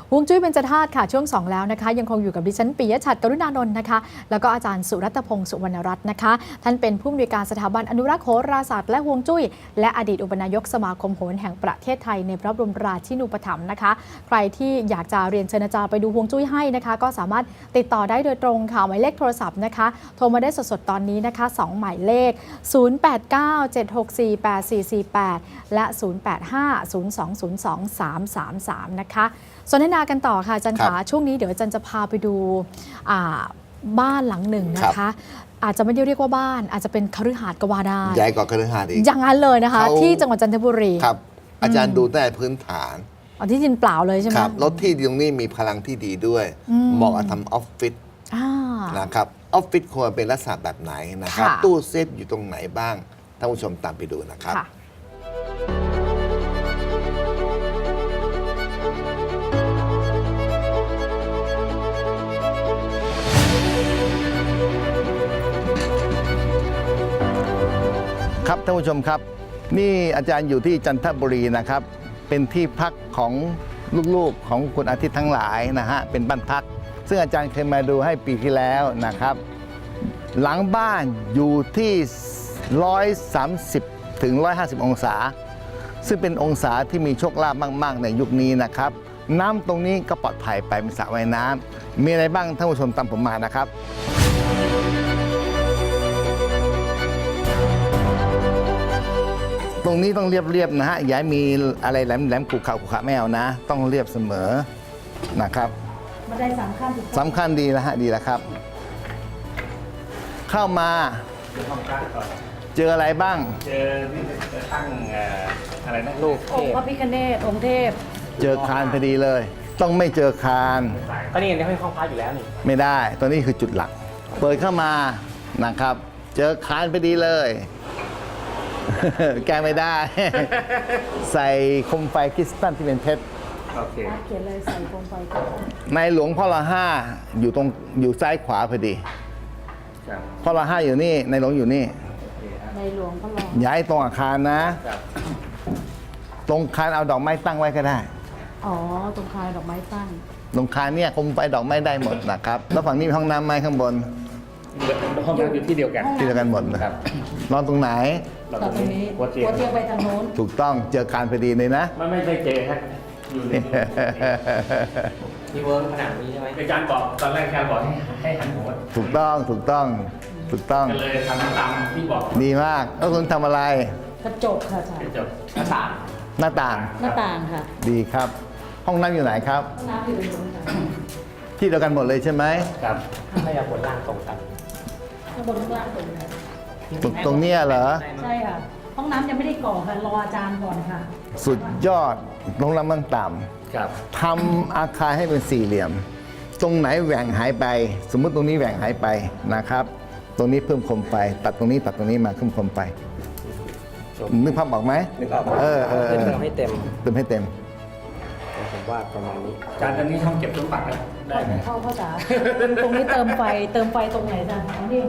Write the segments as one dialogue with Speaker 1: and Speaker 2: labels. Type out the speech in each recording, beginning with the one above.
Speaker 1: ฮวงจุ้ยเบญจธาตุค่ะช่วง2แล้วนะคะยังคงอยู่กับดิฉันปิยะฉัตรกรุณานนท์นะคะแล้วก็อาจารย์สุรัตน์พงศ์สุวรรณรัตน์นะคะท่านเป็นผู้อำนวยการสถาบันอนุรักษ์โหราศาสตร์และฮวงจุ้ยและอดีตอุปนายกสมาคมโหราแห่งประเทศไทยในพระบรมราชินูปถัมภ์นะคะใครที่อยากจะเรียนเชิญอาจารย์ไปดูฮวงจุ้ยให้นะคะก็สามารถติดต่อได้โดยตรงค่ะหมายเลขโทรศัพท์นะคะโทรมาได้สดๆตอนนี้นะคะ2หมายเลข0897648448และ0850202333นะคะสนทนากันต่อค่ะอาจารย์ขาช่วงนี้เดี๋ยวอาจารย์จะพาไปดูบ้านหลังหนึ่งนะคะอาจจะไม่ได้เรียกว่าบ้านอาจจะเป็นคฤหาสน์ก็ว่าได้
Speaker 2: ใหญ่กว่าคฤหาสน์อีก
Speaker 1: อย่างนั้นเลยนะคะที่จังหวัดจันทบุรี
Speaker 2: ครับอาจารย์ดูแต่พื้นฐาน
Speaker 1: ที่ดินเปล่าเลยใช่ไหม
Speaker 2: ครับรถที่ตรงนี้มีพลังที่ดีด้วยเหมาะกับทำออฟฟิศนะครับออฟฟิศควรเป็นลักษณะแบบไหนนะครับตู้เซฟอยู่ตรงไหนบ้างท่านผู้ชมตามไปดูนะครับครับท่านผู้ชมครับนี่อาจารย์อยู่ที่จันทบุรีนะครับเป็นที่พักของลูกๆของคุณอาทิตย์ทั้งหลายนะฮะเป็นบ้านพักซึ่งอาจารย์เคยมาดูให้ปีที่แล้วนะครับหลังบ้านอยู่ที่130ถึง150องศาซึ่งเป็นองศาที่มีโชคลาภมากๆในยุคนี้นะครับน้ำตรงนี้ก็ปลอดภัยไปเป็นสระว่ายน้ำมีอะไรบ้างท่านผู้ชมตามผมมานะครับตรงนี้ต้องเรียบๆนะฮะอย่ามีอะไรแหลมๆขูขะไม่เอานะต้องเรียบเสมอนะครับ
Speaker 1: บันได
Speaker 2: สำคัญดีแล้วฮะดีแล้วครับเข้ามาเจออะไรบ้าง
Speaker 3: เจอที่จะตั้งอะไรนะลูกเทพ
Speaker 1: พระพิฆเนศองค์เทพ
Speaker 2: เจอคานพอดีเลยต้องไม่เจอคาน
Speaker 3: ก็นี่ในห้องพระอยู่แล้วนี่
Speaker 2: ไม่ได้ตัวนี้คือจุดหลักเปิดเข้ามานะครับเจอคานพอดีเลยแก้ไม่ได้ใส่โคมไฟคริสตัลที่เป็นเพชร
Speaker 3: โอเค
Speaker 1: เขียนเลยใส่โคมไฟ
Speaker 2: ในหลวงพ่อละ5อยู่ซ้ายขวาพอดีพ่อละ5อยู่นี่ในหลวงอยู่นี่
Speaker 1: ในหลวงพ่อละ
Speaker 2: ย้ายตรงอาคารนะตรงคานเอาดอกไม้ตั้งไว้ก็ได้
Speaker 1: อ๋อตรงคานดอกไม้ตั้ง
Speaker 2: ตรงคานเนี่ยโคมไฟดอกไม้ได้หมดนะครับแล้วฝั่งนี้มีห้องน้ำไหมข้างบน
Speaker 3: ห้องน้ำอยู่ที่เดียวกัน
Speaker 2: หมดนะครับนอนตรงไหน
Speaker 1: ตรงนี้หัวเตียงไปทางโน้น
Speaker 2: ถูกต้องเจอคานพอดีเลยนะ
Speaker 3: ไม่ได้เจอครับอยู่ในที่เวิร์กขนาดนี้ใช่ไหมอาจารย์บอกตอนแรกอาจารย์บอกให้หันหัว
Speaker 2: ถูกต้อง
Speaker 3: ก็เลยทำตามที่บอก
Speaker 2: ดีมากแล้วคุณทำอะไร
Speaker 1: กระจกค่ะอาจารย์
Speaker 3: กระจกหน้าต่าง
Speaker 1: ค่ะ
Speaker 2: ดีครับห้องน้ำอยู่ไหนครับ
Speaker 1: ห้องน้ำอยู่ตรงนี้
Speaker 2: ที่เดียวกันหมดเลยใช่ไหม
Speaker 3: ครับให้ยาบนล่างตรงกัน
Speaker 1: ข้างบนข้างล่างตรงนี้
Speaker 2: ตรงนี้เหรอ
Speaker 1: ใช่ค่ะห้องน้ำยังไม่ได้ก่อค่ะรออาจารย์ก่อนค่ะ
Speaker 2: สุดยอดลงน้ำมันต่ำทำอาคารให้เป็นสี่เหลี่ยมตรงไหนแหว่งหายไปสมมุติตรงนี้แหว่งหายไปนะครับตรงนี้เพิ่มคมไฟตัดตรงนี้มาเพิ่มคมไฟนึกภาพออกไหม
Speaker 3: นึกออกเติมให้เต็มผมว่าประมาณนี้การตอนนี้ห้องเก็บสมบัติได้ไหม
Speaker 1: เข้าจ๋าตรงนี้เติมไฟตรงไหนจ๊ะอ๋อนี่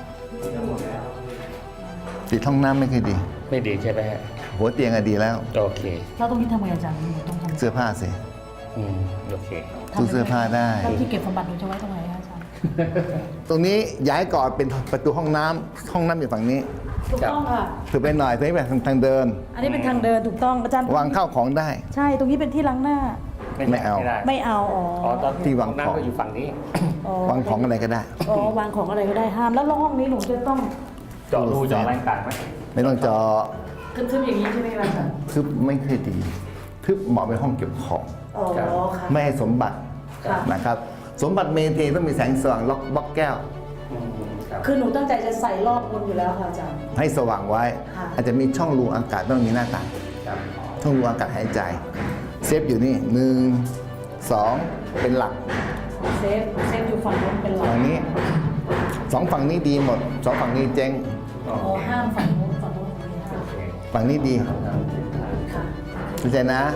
Speaker 2: ติดห้องน้ำไม่ค่อยดี
Speaker 3: ไม่ดีใช่ไหมฮะ
Speaker 2: หัวเตียงดีแล้ว
Speaker 3: โอเค
Speaker 1: แล้วตรงนี้ทำไงอาจารย์ต้องทำ
Speaker 2: เสื้อผ้าสิ
Speaker 3: โอเค
Speaker 2: ตู้เสื้อผ้าได้
Speaker 1: แล้วที่เก็บสมบัติจะไว้ตรงไหนอาจารย์
Speaker 2: ตรงนี้ย้ายก่อนเป็นประตูห้องน้ำอยู่ฝั่งนี้
Speaker 1: ถูกต้องค่ะ
Speaker 2: ถือไปหน่อยตรงนี้เป็นทางเดิน
Speaker 1: อันนี้เป็นทางเดินถูกต้องอาจารย์
Speaker 2: วางข้าวของได้
Speaker 1: ใช่ตรงนี้เป็นที่ล้างหน้า
Speaker 2: ไม่เอา
Speaker 1: อ๋อ
Speaker 2: ที่วางของ
Speaker 3: อยู่ฝั่งนี้
Speaker 2: วางของอะไรก็ได้
Speaker 1: วางของอะไรก็ได้ห้ามแล้วห้องนี้หนูจะต้อง
Speaker 3: เจาะรูเจาะอะไรต่างไหม
Speaker 2: ไม่ต้องเจาะ
Speaker 1: ทึบอย่างนี้ใช่ไหมอาจารย์
Speaker 2: ทึบไม่เคยดีทึบเหมาะเป็นห้องเก็บของไม่ให้สมบัตินะครับสมบัติเมนเทต้องมีแสงสว่างล็อกบล็อกแก้ว
Speaker 1: คือหนูตั้งใจจะใส่รอบบนอยู่แล้วค่ะอาจารย์
Speaker 2: ให้สว่างไว้อาจจะมีช่องรูอากาศต้องมีหน้าต่างช่องรูอากาศหายใจเซฟอยู่นี่1 2เป็นหลัก
Speaker 1: เซฟอยู่ฝั่งนู้นเป็นหลัก
Speaker 2: ฝั่งนี้2ฝั่งนี้ดีหมด2ฝั่งนี้เจ๊ง
Speaker 1: ห้ามฝั่งนู้น
Speaker 2: ฝั่งนี้ดีเข้าใจนะ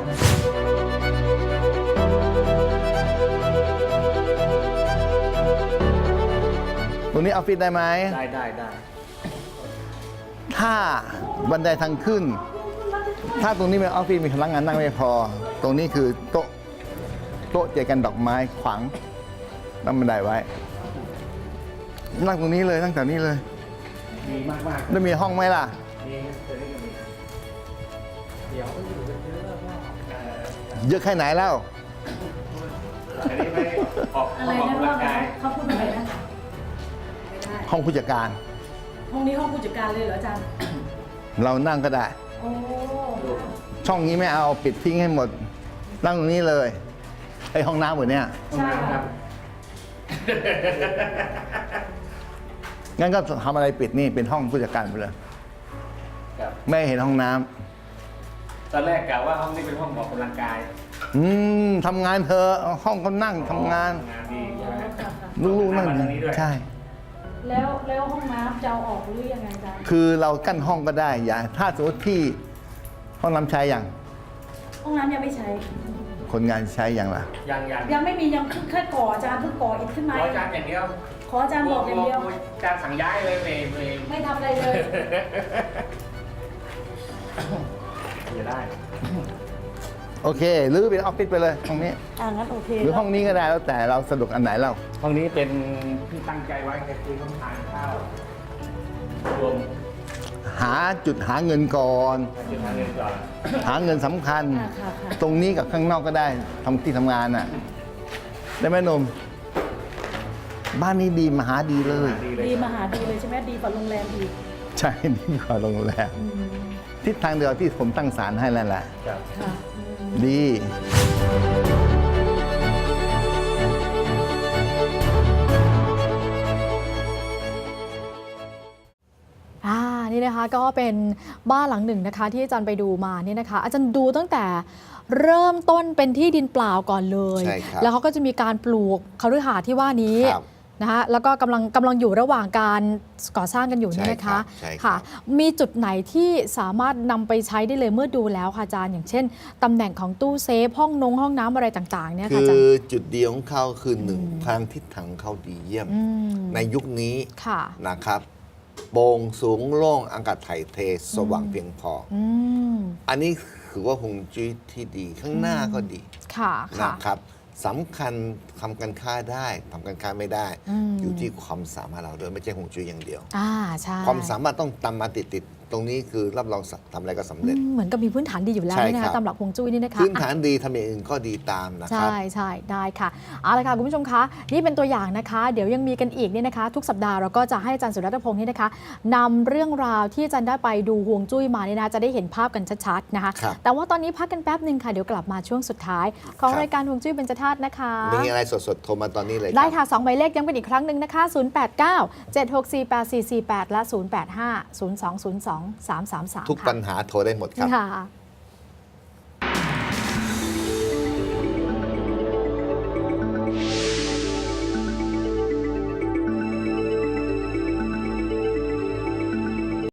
Speaker 2: ตรงนี้ออฟฟิศได้ไหม
Speaker 3: ได้
Speaker 2: ถ้าบันไดทางขึ้นถ้าตรงนี้เป็นออฟฟิศมีพนักงานนั่งไม่พอตรงนี้คือโต๊ะโต๊ะเจกันดอกไม้ขวางตั้งบันไดไว้ นั่งตรงนี้เลยนั่งแถวนี้เลย
Speaker 3: ดีมากๆ
Speaker 2: แล้วมีห้องไหมล่ะ
Speaker 3: มีเคยได้กันมีเดี๋ยวก็อยู่กันเยอะมาก
Speaker 2: เยอะแค่ไหนแล้ว
Speaker 3: อันนี้ไม่ออก
Speaker 4: อะไร
Speaker 3: ออก
Speaker 4: นะ
Speaker 3: กำลั
Speaker 4: ว่าง ไง
Speaker 3: กาย
Speaker 4: เขาพูดอะไรนะไม่ได้
Speaker 2: ห้องผู้จัดการ
Speaker 4: ห้องนี้ห้องผู้จัดการเลยเหรออาจารย์
Speaker 2: เรานั่งก็ได้
Speaker 4: โอ้
Speaker 2: ช่องนี้ไม่เอาปิดทิ้งให้หมด นั่งตรงนี้เลยไอห้องน้ำหมดเนี่ย
Speaker 3: ห้องน้ำครับ
Speaker 2: งั้นก็ทำอะไรปิดนี่เป็นห้องผู้จัดการไปเลย
Speaker 3: ครับ
Speaker 2: ไม่เห็นห้องน้ำ
Speaker 3: ตอนแรกกะว่าห้องนี้เป็นห้องออกกำลังกาย
Speaker 2: ทำงานเธอะห้องก็นั่งทำงาน
Speaker 3: งานดีใช่ไหม
Speaker 4: ค่ะค่ะ
Speaker 2: ลูกๆนั่ง
Speaker 3: ทำงานนี้ด้วย
Speaker 2: ใช่
Speaker 4: แล้วห้องน้ำจะเอาออกหรือยังไงอาจารย์
Speaker 2: คือเรากั้นห้องก็ได้อย่าถ้าสมมติที่ห้องน้ำใช้อย่าง
Speaker 4: ห้องน้ำยังไม่ใช้
Speaker 2: คนงานใช้อย่างล่ะ
Speaker 3: ยัง
Speaker 4: ยังไม่มียังเพิ่งแค่ก่ออาจารย์เพิ่งก่ออิฐขึ้นมา
Speaker 3: ขออาจารย์อย่างเดียว
Speaker 4: ขออาจารย์บอกอย่างเดียว
Speaker 3: อาจารย์สั่งย้ายเลยเมย์
Speaker 4: ไม่ทำอะไรเลย
Speaker 3: จะได้
Speaker 2: โอเคหรือเป็นออฟฟิศไปเลยห้องนี้
Speaker 4: งั้นโอเค
Speaker 2: หรือห้องนี้ก็ได้แล้วแต่เราสะดวกอันไหนเรา
Speaker 3: ห้องนี้เป็นที่ตั้งใจไว้คือต้องทานข้าวรวม
Speaker 2: หาจุดหาเงินก่อน
Speaker 3: จุดทานเงินก่อน
Speaker 2: หาเงินสำคัญ
Speaker 4: ค่ะค่ะ
Speaker 2: ตรงนี้กับข้างนอกก็ได้ทำที่ทำงานน่ะ ได้ไหมหนุ่มบ้านนี้ดีมหาดีเลย
Speaker 3: ดีเลย
Speaker 4: ดีมหาดีเลยใช่ไหมดีกว่าโรงแรมอีก
Speaker 2: ใช่ดีกว่าโรงแรมทิศทางเดียวที่ผมตั้งศาลให้แล้วแหละ
Speaker 3: ครับ
Speaker 4: ค่ะ
Speaker 2: ดี
Speaker 1: นี่นะคะก็เป็นบ้านหลังหนึ่งนะคะที่อาจารย์ไปดูมาเนี่ยนะคะอาจารย์ดูตั้งแต่เริ่มต้นเป็นที่ดินเปล่าก่อนเลย
Speaker 5: ใช่ครับ
Speaker 1: แล้วเขาก็จะมีการปลูกคฤหาสน์ที่ว่านี้
Speaker 5: ครับ
Speaker 1: นะคะแล้วก็กำลังอยู่ระหว่างการก่อสร้างกันอยู่นี่นะคะ
Speaker 5: ใช่ครับ
Speaker 1: ค่ะมีจุดไหนที่สามารถนำไปใช้ได้เลยเมื่อดูแล้วค่ะอาจารย์อย่างเช่นตำแหน่งของตู้เซฟห้องน้ำอะไรต่างๆเนี่ยค่ะ
Speaker 5: คื
Speaker 1: อาจาร
Speaker 5: อ
Speaker 1: ย์
Speaker 5: จุดเดียวของเขาคือหนึ่งทางทิศทางเขาดีเยี่ยม
Speaker 1: ม
Speaker 5: ในยุคนี้
Speaker 1: ค่ะ
Speaker 5: นะครับโปร่งสูงโล่งอากาศถ่ายเทสว่างเพียงพออ
Speaker 1: อืม
Speaker 5: อันนี้คือว่าฮวงจุ้ยที่ดีข้างหน้าก็ดี
Speaker 1: ค่ะค่ะ
Speaker 5: นะครับสำคัญทำการค้าได้ทำการค้าไม่ได้ อยู่ที่ความสามารถเราด้วยไม่ใช่ฮวงจุ้ยอย่างเดียว
Speaker 1: ใช่
Speaker 5: ความสามารถต้องตามมาติดตรงนี้คือรับรองทำอะไรก็สำเร็จ
Speaker 1: เหมือนกับมีพื้นฐานดีอยู่แล้ว
Speaker 5: ใช่
Speaker 1: นี่นะ
Speaker 5: ครั
Speaker 1: คะ
Speaker 5: บ
Speaker 1: ตามหลักฮวงจุ้ยนี่นะคะ
Speaker 5: พื้นฐานดีทำอย่างอื่นก็ดีตามนะค
Speaker 1: ใช่
Speaker 5: รับ
Speaker 1: ใช่ได้ค่ะเอาละค่ะคุณผู้ชมคะนี่เป็นตัวอย่างนะคะ เดี๋ยวยังมีกันอีกเนี่ยนะคะ ทุกสัปดาห์เราก็จะให้อาจารย์สุรัตน์พงศ์นี่นะคะนำเรื่องราวที่อาจารย์ได้ไปดูฮวงจุ้ยมาเนี่ยนะจะได้เห็นภาพกันชัดๆนะคะ
Speaker 5: ครับ
Speaker 1: แต่ว่าตอนนี้พักกันแป๊บหนึ่งค่ะเดี๋ยวกลับมาช่วงสุดท้าย ของ
Speaker 5: ครับ
Speaker 1: รายการฮวงจุ้ยเบญจธาตุนะคะ
Speaker 5: มีอะไรสดๆโทรมาตอนนี้เลย
Speaker 1: ได้
Speaker 5: ครับ
Speaker 1: ค่ะ2หมายเลขย้ำกันอีกครั้งหนึ่งนะคะ 089 764 8448 และ 085 0202 333
Speaker 5: ทุกปัญหาโทรได้หมดครับ
Speaker 1: ค่ะ